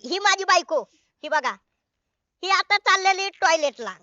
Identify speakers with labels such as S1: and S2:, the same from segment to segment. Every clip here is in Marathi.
S1: ही माझी बायको. ही बघा, ही आता चाललेली टॉयलेटला.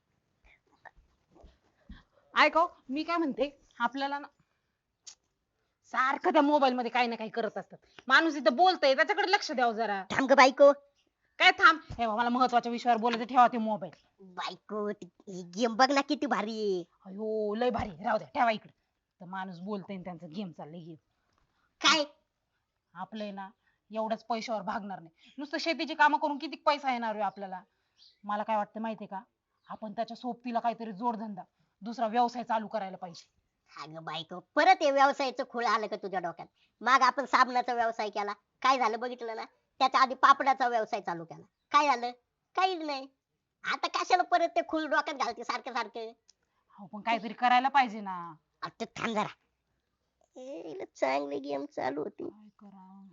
S2: ऐको मी काय म्हणते आपल्याला ना सारखं त्या मोबाईल मध्ये काही ना काही करत असतात. माणूस इथं बोलतय त्याच्याकडे लक्ष द्यावं जरा.
S1: थांब ग बायको.
S2: काय थांब हे बघ, मला महत्वाच्या विषयावर बोलायचं, ठेवा ते मोबाईल.
S1: बायको ही गेम बघ ना किती भारी आहे.
S2: अयो लय भारी, राहू द्या ठेवा इकडे. तर माणूस बोलतय त्यांचा गेम चाललंय गेम.
S1: काय
S2: आपलंय ना एवढ्याच पैशावर भागणार नाही. नुसतं शेतीची कामं करून किती पैसा येणार आहे आपल्याला. मला काय वाटतं माहितीये का, आपण त्याच्या सोबतीला काहीतरी जोडधंदा दुसरा व्यवसाय चालू करायला पाहिजे.
S1: अगं बायको परत हे व्यवसायाचं खूळ आलं का तुझ्या डोक्यात? मग आपण साबणाचा व्यवसाय केला, काय झालं बघितलं ना? त्याच्या आधी पापडाचा व्यवसाय चालू केला, काय झालं? काहीच नाही. आता कशाला परत ते खूळ डोक्यात घालते सारखं सारखं?
S2: हो पण काहीतरी करायला पाहिजे ना.
S1: आता थांब जरा. हिला चांगली गेम चालू होती.
S2: काय करा.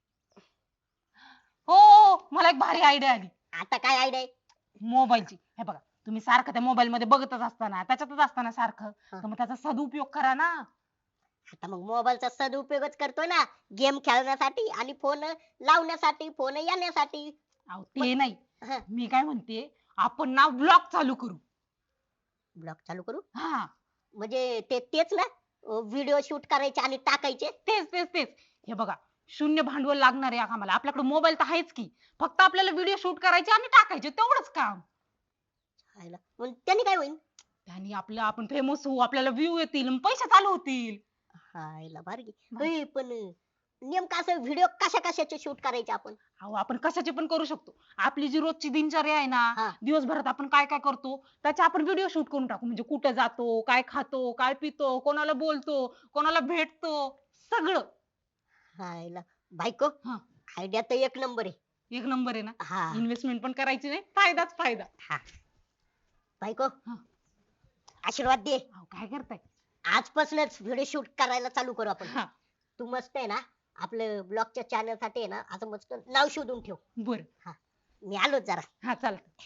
S2: हो मला एक भारी आयडिया आली
S1: आता काय आयडिया?
S2: मोबाईलची. हे बघा, तुम्ही सारखं त्या मोबाईल मध्ये बघतच असताना त्याच्यातच असताना सारखं, तर मग त्याचा सदुपयोग करा ना.
S1: आता मग मोबाईलचा सदुपयोगच करतोय ना, गेम खेळण्यासाठी आणि फोन लावण्यासाठी, फोन येण्यासाठी.
S2: अहो ते नाही,
S1: हं,
S2: मी काय म्हणते आपण ना ब्लॉग चालू करू.
S1: ब्लॉग चालू करू.
S2: हा
S1: म्हणजे तेच ना, व्हिडिओ शूट करायचे आणि टाकायचे.
S2: तेच तेच तेच. हे बघा, शून्य भांडवल लागणार आहे आम्हाला. आपल्याकडे मोबाईल तर आहेच की, फक्त आपल्याला व्हिडिओ शूट करायचे आणि टाकायचे, तेवढंच काम.
S1: हायला. मग त्यांनी काय होईल?
S2: त्याने आपण फेमस होऊ, आपल्याला व्ह्यू येतील आणि पैसे चालू होतील.
S1: हायला भारी. होय, पण नेमकं असं व्हिडिओ कशा कशाचे शूट करायचे आपण?
S2: अहो आपण कशाचे पण करू शकतो. आपली जी रोजची दिनचर्या आहे ना,
S1: हा.
S2: दिवसभरात आपण काय काय करतो त्याचे आपण व्हिडिओ शूट करून टाकू. म्हणजे कुठं जातो, काय खातो, काय पितो, कोणाला बोलतो, कोणाला भेटतो, सगळं.
S1: हायला बायको,
S2: हा
S1: आयडिया तर एक नंबर आहे.
S2: एक नंबर आहे ना.
S1: हा.
S2: इन्व्हेस्टमेंट पण करायची नाही, फायदाच फायदा.
S1: हा बायको,
S2: हा.
S1: आशीर्वाद दे.
S2: अहो काय करताय.
S1: आजपासूनच व्हिडिओ शूट करायला चालू करू आपण.
S2: हा
S1: तू मस्त आहे ना, आपलं ब्लॉगच्या चॅनल साठी आहे ना, असं मस्त नाव शोधून ठेव.
S2: बर.
S1: हा, मी आलो जरा.
S2: हा चालत.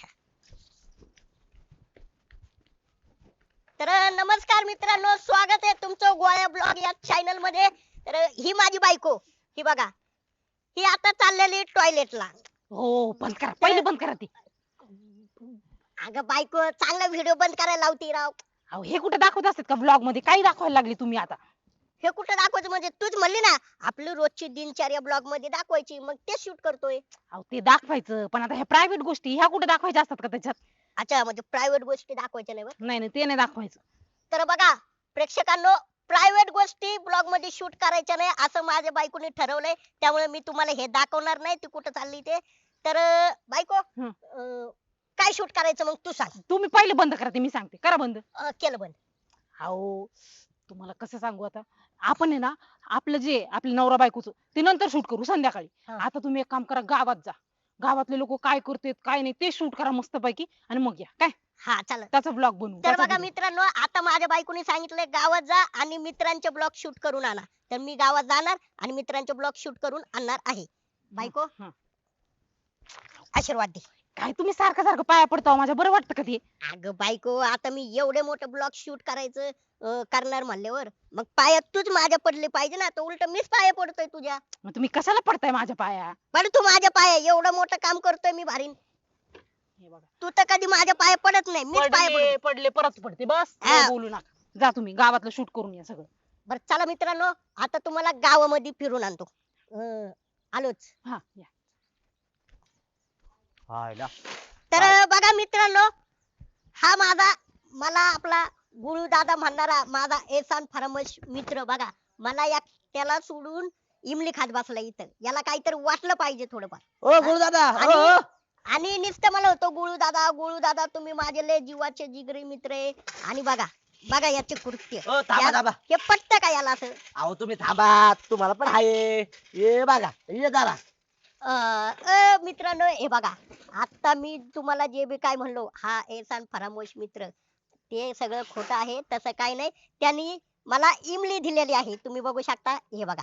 S1: तर नमस्कार मित्रांनो, स्वागत आहे तुमचं गोळ्या ब्लॉग या चॅनल मध्ये. तर ही माझी बायको. ही बघा, ही आता चाललेली टॉयलेटला.
S2: हो बंद करा, पहिले बंद करा ती.
S1: अगं बायको, चांगला व्हिडिओ बंद करायला लावती राव.
S2: अहो हे कुठे दाखवत असतात का ब्लॉग मध्ये? काही दाखवायला लागली तुम्ही आता.
S1: हे कुठं दाखवायचं म्हणजे? तूच म्हणली ना आपली रोजची दिनचर्या ब्लॉग मध्ये दाखवायची, मग ते शूट करतोय.
S2: अहो ते दाखवायचं, पण आता ह्या प्रायव्हेट गोष्टी ह्या कुठे दाखवायच्या असतात का त्याच्यात?
S1: अच्छा, म्हणजे प्रायव्हेट गोष्टी दाखवायच्या नाही बरं.
S2: नाही नाही, ते नाही दाखवायचं.
S1: तर बघा प्रेक्षकांनो, प्रायव्हेट गोष्टी ब्लॉग मध्ये शूट करायच्या नाही असं माझ्या बायकोनी ठरवलंय. त्यामुळे मी तुम्हाला हे दाखवणार नाही ती कुठं चालली ते. तर बायको,
S2: हं.
S1: काय शूट करायचं मग तू सांग.
S2: तुम्ही पहिले बंद करा ते, मी सांगते. करा बंद.
S1: केलं बंद.
S2: अहो तुम्हाला कसं सांगू आता, आपण आहे ना आपलं जे आपल्या नवरा बायकोचं ते नंतर शूट करू संध्याकाळी.
S1: हा.
S2: आता तुम्ही एक काम करा, गावात जा. गावातले लोक काय करतात काय नाही ते शूट करा मस्त पैकी, आणि मग या काय
S1: हा चालेल.
S2: त्याचा ब्लॉग बनवू.
S1: तर
S2: त्याचा
S1: बघा
S2: video.
S1: मित्रांनो, आता माझ्या बायकोनी सांगितलंय गावात जा आणि मित्रांचे ब्लॉग शूट करून आणा. तर मी गावात जाणार आणि मित्रांचे ब्लॉग शूट करून आणणार आहे. बायको,
S2: हं.
S1: आशीर्वाद दे.
S2: काय तुम्ही सारखं सारखं पाया पडता हो माझ्या, बरं वाटतं का ते?
S1: अगं बायको, आता मी एवढे मोठे ब्लॉग शूट करायचं करणार म्हणल्यावर मग पायात तूच माझ्या पडले पाहिजे ना. तर उलट मीच पाया पडतोय तुझ्या.
S2: मग तुम्ही कशाला पडताय माझ्या पाया?
S1: पण तू माझ्या पाया एवढं मोठं काम करतोय मी भारीन.
S2: हे बघा,
S1: तू तर कधी माझ्या पाया पडत नाही, मीच पाया
S2: पडले
S1: पडतो.
S2: पडले परत पडते. बस
S1: हा.
S2: लय बोलू नका. जा तुम्ही गावातलं शूट करून या सगळं.
S1: बरं चला मित्रांनो, आता तुम्हाला गावामध्ये फिरून आणतो. आलोच.
S2: हा या.
S3: हायला
S1: तर बघा मित्रांनो, हा माझा मला आपला गुळू दादा म्हणणारा माझा एहसान फरामश मित्र बघा, मला या त्याला सोडून इमली खात बसला इथं. याला काहीतरी वाटलं पाहिजे थोडंफार.
S3: ओ गुरु दादा
S1: आणि आणि नुसतं मला होतं गुळू दादा तुम्ही माझे लय जीवाचे जिगरी मित्र आहे. आणि बघा बघा याचे कृत्य.
S3: ओ थांबा थांबा.
S1: हे पटतं का याला असं?
S3: अहो तुम्ही थांबा, तुम्हाला पण आहे. ये बघा ये जरा.
S1: मित्रांनो हे बघा, आता मी तुम्हाला जे बी काय म्हणलो हा एहसान फरामोश मित्र, ते सगळं खोटं आहे. तसं काही नाही. त्यांनी मला इमली दिलेली आहे, तुम्ही बघू शकता. हे बघा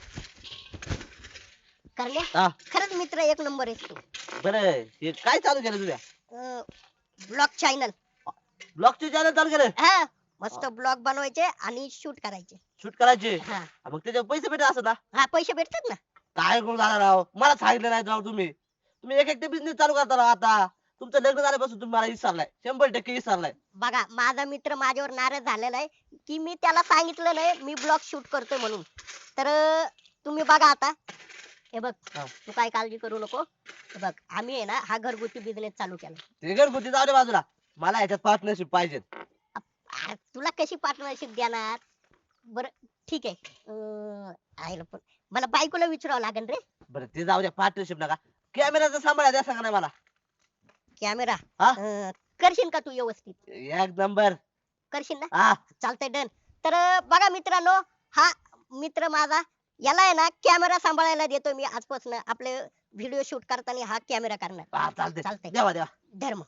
S1: करले,
S3: हा
S1: खरंच मित्र एक नंबर आहे तू.
S3: बरं, हे काय चालू केलं तुझ्या
S1: ब्लॉग चॅनल.
S3: ब्लॉगचे चॅनल चालू केलं?
S1: हा, मस्त ब्लॉग बनवायचे आणि शूट करायचे.
S3: शूट करायचे?
S1: हा
S3: मग त्याचे पैसे भेटत असत ना?
S1: हा, पैसे भेटतात ना.
S3: काय गुरु दादा राव, मला सांगितलं नाही राव तुम्ही. तुम्ही एक एकटे बिझनेस चालू करता राव आता. तुमचं लग्न झाल्यापासून तुम्ही मला विसरलाय, 100% विसरलाय.
S1: बघा माझा मित्र माझ्यावर नाराज झालेला आहे की मी त्याला सांगितलं नाही मी ब्लॉग शूट करतोय म्हणून. तर तुम्ही बघा आता, हे बघ
S3: हा.
S1: तू काय काळजी करू नको. हे बघ आम्ही आहे ना हा घरगुती बिझनेस चालू केला.
S3: ते घरगुती जाऊ दे बाजूला, मला ह्याच्यात पार्टनरशिप पाहिजे.
S1: तुला कशी पार्टनरशिप देणार? बर ठीक आहे. आईला पण मला बायकोला विचारावं लागेल रे.
S3: बरं ते जाऊ द्या, पार्टनरशिप नका. कॅमेराचा सांभाळा द्या, सांगा नाही मला.
S1: कॅमेरा
S3: हा?
S1: करशील का तू व्यवस्थित?
S3: एक नंबर.
S1: करशील ना?
S3: हा
S1: चालतंय डन. तर बघा मित्रांनो, हा मित्र माझा, याला आहे ना कॅमेरा सांभाळायला देतो मी आजपासून. आपले व्हिडिओ शूट करताना हा कॅमेरा करणार.
S3: हा, चालतंय.
S1: चालतंय.
S3: देवा देवा.
S1: धर्म.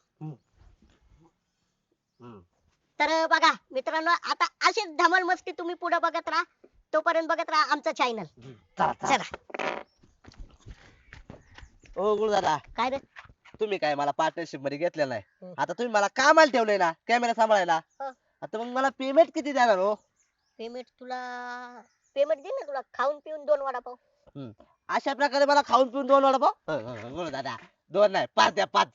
S3: हम्म.
S1: तर बघा मित्रांनो, आता अशीच धमाल मस्ती तुम्ही पुढे बघत राहा. तोपर्यंत बघत राहा आमचं चॅनल.
S3: चला चला.
S1: चला.
S3: ओ गुरुदादा,
S1: काय रे?
S3: तुम्ही काय मला पार्टनरशिप मध्ये घेतलेलं नाही.
S1: हम्म.
S3: आता तुम्ही मला कामाला ठेवलंय ना कॅमेरा सांभाळायला.
S1: हो.
S3: आता मग मला पेमेंट किती देणार हो?
S1: पेमेंट पेमेंट दे ना तुला, खाऊन पिऊन 2 वडापाव.
S3: अशा प्रकारे मला खाऊन पिऊन 2 वडापाव? गुरुदादा 2 नाही 5 द्या 5.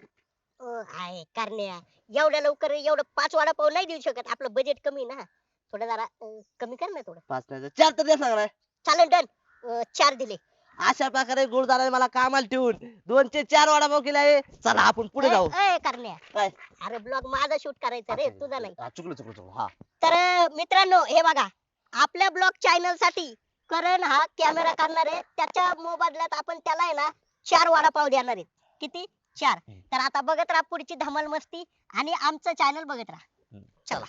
S1: आहे करण्या, एवढ्या लवकर एवढं 5 वडापाव नाही देऊ शकत. आपलं बजेट कमी ना. थोडं जरा कमी कर ना थोडं.
S3: 5 नाही 4 तर द्या सांगा.
S1: चालेल डन. 4 दिले.
S3: अशा प्रकारे गुरुदादाने मला कामाला ठेवून 2 चे 4 वडापाव केले आहे. चला आपण पुढे जाऊ.
S1: करण्या,
S3: काय?
S1: अरे ब्लॉग माझा शूट करायचा रे, तुझा नाही.
S3: हा, चुकलो हा.
S1: तर मित्रांनो हे बघा, आपल्या ब्लॉग चॅनल साठी करण हा कॅमेरा करणार आहे. त्याच्या मोबदल्यात आपण त्याला आहे ना 4 वडापाव देणार आहे. किती? 4. तर आता बघत राहा पुढची धमाल मस्ती आणि आमचं चॅनल बघत राहा. चला.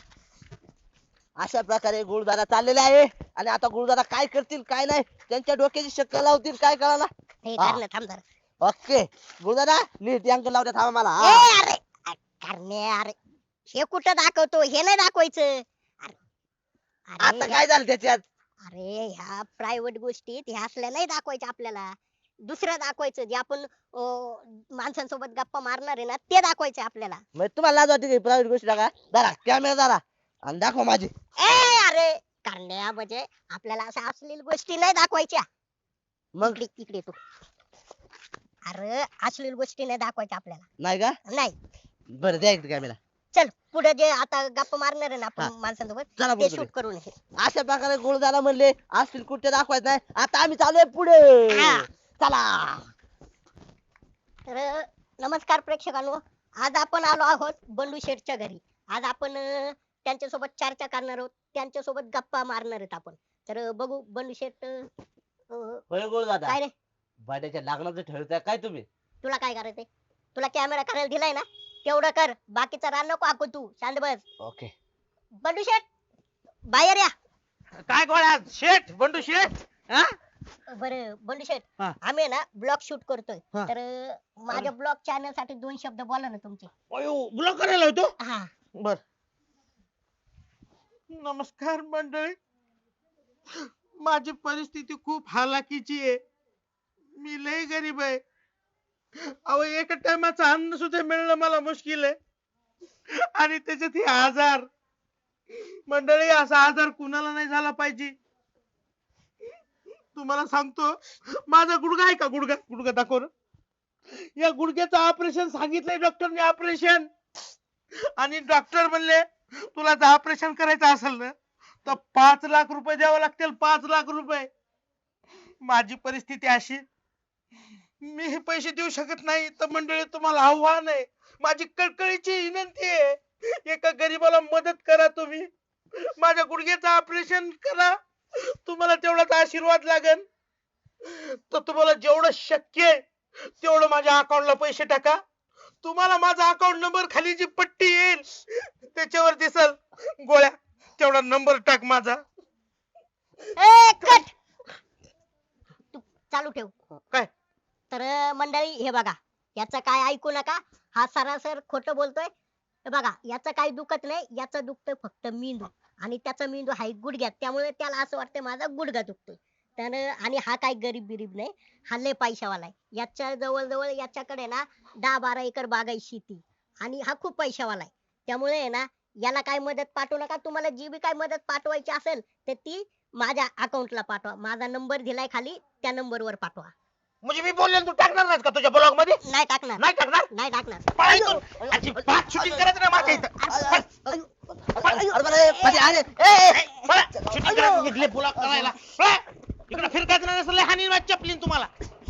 S3: अशा प्रकारे गुरुदादा चाललेले आहे. आणि आता गुरुदादा काय करतील काय नाही त्यांच्या डोक्याची शक्कल लावतील काय कळाला.
S1: हे
S3: हा.
S1: करण्या थांब जरा.
S3: ओके गुरुदादा नीट अंक लावू द्या, थांबा मला.
S1: ए,
S3: हा.
S1: अरे करण्या, अरे हे कुठं दाखवतो, हे नाही दाखवायचं. अरे
S3: आता काय झालं त्याच्यात?
S1: अरे ह्या प्रायव्हेट गोष्टीत ह्या असल्या नाही दाखवायच्या आपल्याला. दुसरं दाखवायचं जे आपण माणसांसोबत गप्पा मारणार आहे ना, ते दाखवायचं आपल्याला.
S3: मग तुम्हाला लाज वाटते प्रायव्हेट गोष्टी टाका. दारा कॅमेरा दारा आणि दाखवा माझी.
S1: अरे करण्या, म्हणजे आपल्याला अशा अश्लील गोष्टी नाही दाखवायच्या.
S3: मग
S1: इकडे तू. अरे अश्लील गोष्टी नाही दाखवायच्या आपल्याला.
S3: नाही का?
S1: नाही.
S3: बरं द्या इकडे कॅमेरा.
S1: चल पुढे जे आता गप्पा मारणार आहे ना
S3: हा.
S1: आपण माणसांसोबत,
S3: चला
S1: ते
S3: पुढे.
S1: शूट करून हे.
S3: अशा प्रकारे गुरुदादा म्हणले असतील कुठे दाखवायचं नाही. आता आम्ही चालूय पुढे.
S1: हा.
S3: चला.
S1: तर नमस्कार प्रेक्षकांनो, आज आपण आलो आहोत बंडू शेठच्या घरी. आज आपण त्यांच्यासोबत चर्चा करणार आहोत, त्यांच्यासोबत गप्पा मारणार आहेत आपण. तर बघू बंडू शेठ.
S3: होय गुरुदादा,
S1: काय रे,
S3: बड्याच्या लग्नाचं ठरवताय काय तुम्ही?
S1: तुला काय करायचंय? तुला कॅमेरा करायला दिलाय ना, तेवढं कर. बाकीचा रान नको आखू, तू शांत बस.
S3: ओके.
S1: बंडू शेठ बाहेर या.
S4: काय गोळ्या शेठ बंडू शेठ हा?
S1: बरं बंडू शेठ,
S4: हा.
S1: आम्ही आहे ना ब्लॉग शूट करतोय.
S4: हा.
S1: तर माझ्या ब्लॉग चॅनल साठी 2 शब्द बोला ना तुमचे.
S4: अयो ब्लॉक करायला होतो.
S1: हा.
S4: बर. नमस्कार मंडळी, माझी परिस्थिती खूप हालाकीची आहे. मी लय गरीब आहे. अहो एका टायमाचं अन्न सुद्धा मिळणं मला मुश्किल आहे. आणि त्याच्यात हे आजार. मंडळी असा आजार कुणाला नाही झाला पाहिजे. तुम्हाला सांगतो, माझा गुडघा आहे का, गुडघा गुडघा दाखव ना. या गुडघ्याचं ऑपरेशन सांगितलंय डॉक्टरने, ऑपरेशन. आणि डॉक्टर म्हणले तुला जर ऑपरेशन करायचं असेल ना तर 5 लाख रुपये द्यावे लागतील. 5 लाख रुपये. माझी परिस्थिती अशी, मी हे पैसे देऊ शकत नाही. तर मंडळी तुम्हाला आव्हान आहे, माझी कळकळीची विनंती आहे, एका गरीबाला मदत करा तुम्ही. माझ्या गुडघ्याचं ऑपरेशन करा. तुम्हाला तेवढाच आशीर्वाद लागेल. तर तुम्हाला जेवढं शक्य आहे तेवढं माझ्या अकाउंटला पैसे टाका. तुम्हाला माझा अकाउंट नंबर खाली जी पट्टी येईल त्याच्यावर दिसल. गोळ्या तेवढा नंबर टाक माझा.
S1: कट. तू चालू ठेव.
S4: काय?
S1: तर मंडळी हे बघा, याचं काय ऐकू नका. हा सरासर खोटं बोलतोय. हे बघा, याचं काही दुखत नाही. याचं दुखतंय फक्त मेंदू. आणि त्याचा मेंदू आहे गुडघ्यात, त्यामुळे त्याला असं वाटतंय माझा गुडघा दुखतोय. तर आणि हा काय गरीब बिरीब नाही, हा लय पैशावाला आहे. याच्या जवळ याच्याकडे ना 10-12 एकर बागाई शेती. आणि हा खूप पैशावाला आहे. त्यामुळे आहे ना, याला काय मदत पाठवू नका. तुम्हाला जी बी काय मदत पाठवायची असेल तर ती माझ्या अकाउंटला पाठवा. माझा नंबर दिलाय खाली, त्या नंबरवर पाठवा.
S4: म्हणजे मी बोललेलो तू टाकणार नाहीस का तुझ्या ब्लॉग मध्ये?
S1: नाही टाकणार,
S4: नाही टाकणार?
S1: नाही टाकणार.
S4: पळा इथून. अजिबात शूटिंग करायचं नाही माझ्या इथं. शूटिंग करायचं निघले ब्लॉग करायला. पळा. इकडे फिरकायचं नाही नसलं हानी चपलीन तुम्हाला.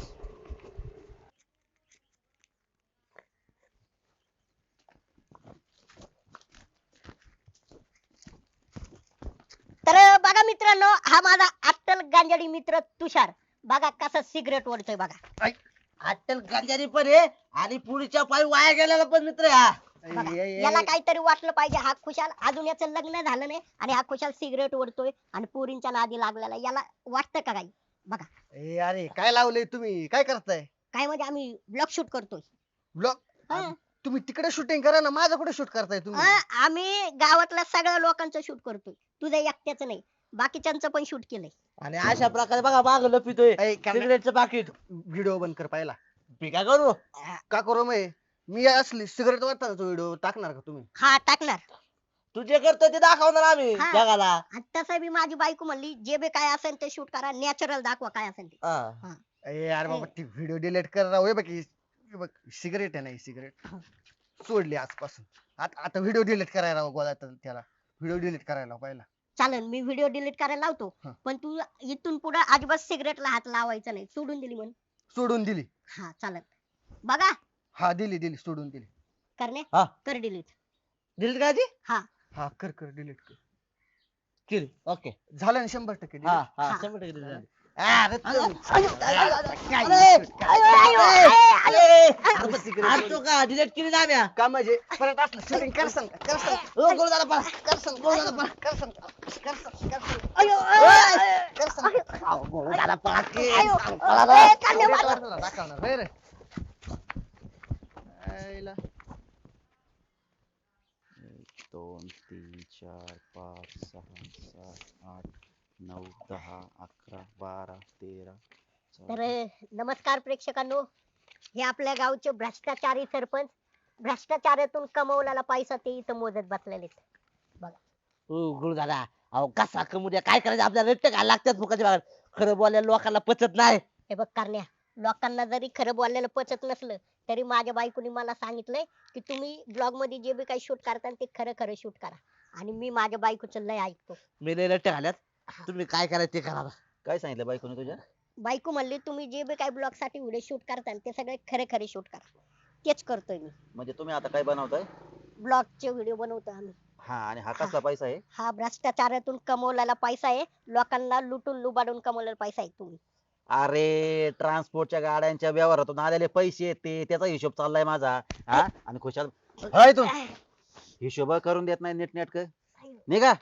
S1: तर बघा मित्रांनो, हा माझा अट्टल गांजाडी मित्र तुषार बघा कसा सिगरेट ओढतोय बघा.
S3: अट्टल गांजारी पण आहे आणि पुढच्या पायी वाया गेलेला पण मित्र आहे हा.
S1: बघा, याला काहीतरी वाटलं पाहिजे. हा खुशाल अजून याचं लग्न झालं नाही आणि हा खुशाल सिगरेट ओढतोय आणि पोरींच्या नादी लागलेला. याला वाटतं का काही? बघा
S5: अरे काय लावलंय तुम्ही, काय करताय?
S1: काय म्हणजे आम्ही ब्लॉग शूट करतोय.
S5: ब्लॉग?
S1: हा.
S5: तुम्ही तिकडे शूटिंग करा ना, माझं कुठे शूट करताय तुम्ही?
S1: आम्ही गावातल्या सगळ्या लोकांचं शूट करतोय, तुझं एकट्याचं नाही, बाकीच्यांचं पण शूट केलंय.
S3: आणि अशा प्रकारे बघा माग लपितोय
S5: ऐ, काय-
S3: सिगरेटचं पाकिट.
S5: व्हिडिओ बंद कर पाहिला.
S3: मी काय करू?
S5: का करू मी असली सिगरेट वाटताना तो व्हिडिओ टाकणार का तुम्ही?
S1: हा टाकणार.
S3: तू जे करतोय ते दाखवणार आम्ही
S1: हा.
S3: जगाला.
S1: आणि तसं बी माझी बायको म्हणली जे बी काय असेल ते शूट करा, नॅचरल दाखवा काय असेल ते.
S3: हा.
S5: यार बाबा ती व्हिडिओ डिलीट कर राव. हे बघ हे बघ सिगरेट आहे ना, ही सिगरेट सोडली आजपासून. आता व्हिडिओ डिलीट करायला राव गोळा त्याला. व्हिडिओ डिलीट करायला लाव पहिला.
S1: चालेल, मी व्हिडिओ डिलीट करायला लावतो,
S5: हा.
S1: पण तू इथून पुढे अजिबात सिगरेटला हात लावायचा नाही. सोडून दिली म्हण.
S5: सोडून दिली.
S1: हा चालेल. बघा
S5: हा दिली सोडून दिली.
S1: करणे
S3: हा.
S1: कर डिलीट.
S3: दिलीत का ती?
S1: हा
S5: हा कर डिलीट कर.
S3: केली. ओके.
S5: झालं ना 100%
S3: हा
S5: delete?
S3: हा
S1: हा.
S3: 100% दिली झाली.
S5: अरे
S3: अरे,
S5: अरे, secret
S3: आणतो का डिलीट केली ना आम्ही.
S5: का म्हणजे परत असलं शूटिंग कर सांग.
S3: ओ गुरुदादा पळा.
S5: कर सांग
S3: अहो, गुरुदादा पळा की.
S1: आयो.
S3: पळा ना.
S1: ए, करणे मला.
S5: दाखवणार रे. आईला.
S6: 2 3 4 5 6 7 8 9 10 11 12 13
S1: तर नमस्कार प्रेक्षकांनो, हे आपल्या गावचे भ्रष्टाचारी सरपंच भ्रष्टाचारातून कमवलेला पैसा ते इथं मोजत बसलेले आहेत. बघा
S3: ओ गुरुदादा, अहो कसा कमुद्या काय करायचं, आपल्याला रट्टे घालायला लागतात फुकाच्या भागात. खरं बोलायला लोकांना पचत नाही.
S1: हे बघ करण्या, लोकांना जरी खरं बोललेलं पचत नसलं तरी माझ्या बायकोनी मला सांगितलंय की तुम्ही ब्लॉग मध्ये जे बी काही शूट करता ते खरं खरं शूट करा. आणि मी माझ्या बायकोचं लय ऐकतो.
S3: मी लय रट्टे घाल्यात. तुम्ही काय करायचं ते करा.
S6: काय सांगितलं बायकोने तुझ्या?
S1: बायको म्हणली तुम्ही जे बी काही ब्लॉग साठी व्हिडिओ शूट करता ते सगळे खरे खरे शूट करा. तेच करतोय मी.
S6: म्हणजे तुम्ही आता काय बनवताय?
S1: ब्लॉगचे व्हिडिओ बनवतो आम्ही.
S6: हा, आणि हा कसला पैसा आहे?
S1: हा भ्रष्टाचारातून कमवलेला पैसा आहे. लोकांना लुटून लुबाडून कमवलेला पैसा आहे. तुम्ही
S6: अरे ट्रान्सपोर्टच्या गाड्यांच्या व्यवहारातून आलेले पैसे आहेत ते, त्याचा हिशोब चाललाय माझा. हा, आणि खुशाल हाय तू हिशोब करून देत नाही नीट नेटक. निघा.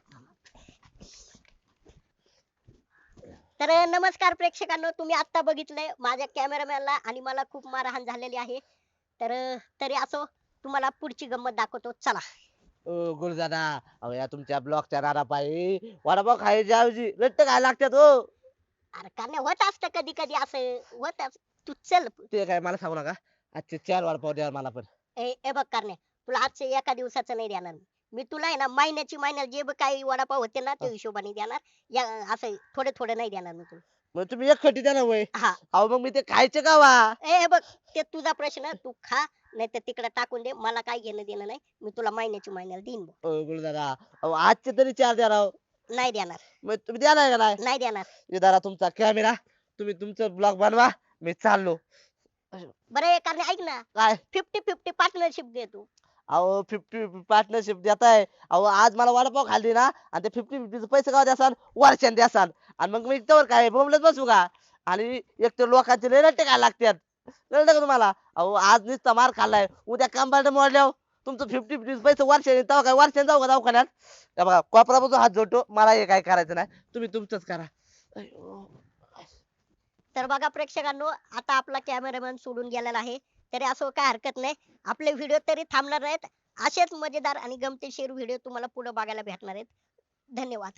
S1: तर नमस्कार प्रेक्षकांनो, तुम्ही आता बघितलंय माझ्या कॅमेरामॅनला आणि मला खूप मारहाण झालेली आहे. तर तरी असो, तुम्हाला पुढची गंमत दाखवतो. चला.
S3: ओ गुरुदादा, अहो या तुमच्या ब्लॉकच्या नारापायी वडापाव खायच्या ऐवजी रट्टे खायला लागतात हो.
S1: अरे कारण होत असतं कधी कधी असं होत. तू चल.
S3: ते काय मला सांगू नका. आजचे 4 वडापाव द्या मला पण.
S1: ए बघ करणे, तुला आजचे एका दिवसाचं नाही देणार मी तुला आहे ना महिन्याला जे बी काही वडापाव होते ना ते हिशोबाने देणार. या असं थोडे थोडे नाही देणार मी तुला.
S3: मग तुम्ही एक खटी द्या ना वय.
S1: हा.
S3: अहो मग मी ते खायचे का वा?
S1: ए बघ, ते तुझा प्रश्न, तू खा नाही तर तिकडे टाकून दे. मला काय घेणं देणं नाही. मी तुला महिन्याला देईन बघ.
S3: ओ गुरुदादा, अहो आजचे तरी 4 द्या राव.
S1: नाही देणार.
S3: मग तुम्ही द्या नाही का नाही?
S1: नाही देणार.
S3: हे दादा तुमचा कॅमेरा, तुम्ही तुमचं ब्लॉग बनवा, मी चाललो.
S1: बरं कारण ऐक ना,
S3: काय?
S1: 50-50 पार्टनरशिप दे तू.
S3: अहो 50 पार्टनरशिप देताय. अहो आज मला वडापाव खाल्ली ना आणि ते 50-50 पैसे का द्यासान, वर्षान द्यासान. आणि मग मी त्यावर काय बोंबलत बसू का? आणि एक तर लोकांचे लय रट्टे खायला लागतात. कळलं का तुम्हाला? अहो आज नुसता मार खाल्लाय, उद्या कंबार्ट मोडल्यावर तुमचं 50-50 पैसे वर्षाने तेव्हा काय वर्षाने जाऊ का दवाखान्यात? हे बघा कोपरापासून हात जोडतो, मला हे काय करायचं नाही. तुम्ही तुमचंच करा. अय्यो.
S1: तर बघा प्रेक्षकांनो, आता आपला कॅमेरामॅन सोडून गेलेला आहे. तरी असं काय हरकत नाही, आपले व्हिडिओ तरी थांबणार नाहीत. असेच मजेदार आणि गमतीशीर व्हिडिओ तुम्हाला पुढे बघायला भेटणार आहेत. धन्यवाद.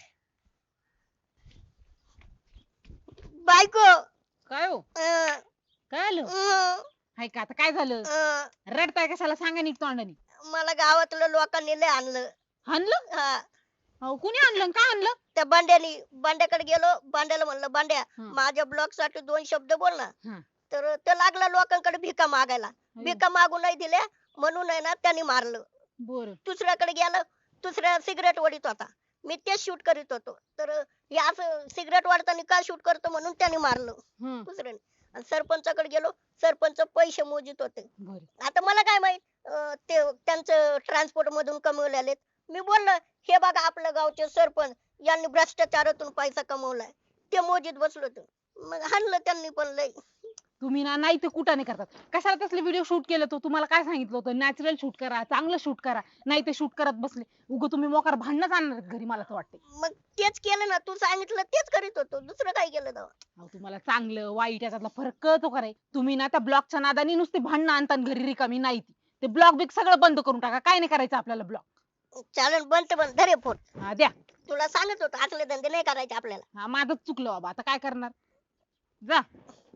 S1: बायको
S2: काय हो?
S1: अं,
S2: काय आलं?
S1: अं,
S2: हाय का, आता काय झालं?
S1: अं,
S2: रडताय कशाला, सांगा नीट तोंडानी.
S1: मला गावातल्या लोकांनी लय आणलं.
S2: आणलं?
S1: हा,
S2: अहो कुणी आणलं आणि का आणलं?
S1: त्या बांड्याकडे गेलो, बांड्याला म्हणलं बांड्या
S2: हं.
S1: माझ्या ब्लॉग साठी 2 शब्द बोल ना.
S2: हं.
S1: तर तो लागला लोकांकडे भिका मागायला. भिका मागू नाही दिल्या म्हणून आहे ना त्यांनी मारलं.
S2: बर
S1: दुसऱ्याकडे गेलं, दुसऱ्या सिगरेट ओढीत होता. मी तेच शूट करीत होतो. तर हे असं सिगरेट ओढताना का शूट करतो म्हणून त्यांनी मारलं दुसऱ्याने. आणि सरपंचाकडे गेलो, सरपंच पैसे मोजित होते.
S2: बर
S1: आता मला काय माहित ते त्यांचं ट्रान्सपोर्ट मधून कमवलेले. मी बोललो हे बघा आपल्या गावचे सरपंच यांनी भ्रष्टाचारातून पैसा कमवलाय. ते मोजीत बसलो होतो. मग हाणलं त्यांनी पण लय.
S2: तुम्ही ना नाही ते कुठं नाही करतात. कशाला तसले व्हिडिओ शूट केलं तो तुम्हाला काय सांगितलं होतं? नॅचरल शूट करा, चांगलं शूट करा. नाही ते शूट करत बसले. उगं तुम्ही मोकार भांडणच आणणार घरी मला तर वाटते.
S1: मग तेच केलं ना, तू सांगितलं तेच करीत होतो. दुसरं काय केलं तेव्हा?
S2: अहो तुम्हाला चांगलं वाईट याच्यातला फरक कळतो का रे? तुम्ही ना त्या ब्लॉगच्या नादानी नुसते भांडणं आणता आणि घरी रिकामी नाही ती. ते ब्लॉग बिग सगळं बंद करून टाका. काय नाही करायचं आपल्याला ब्लॉग.
S1: चालेल बंद धरे फोन.
S2: हा द्या.
S1: तुला सांगत होतो असले धंदे नाही करायचे आपल्याला.
S2: हा माझंच चुकलं बाबा. आता काय करणार? जा.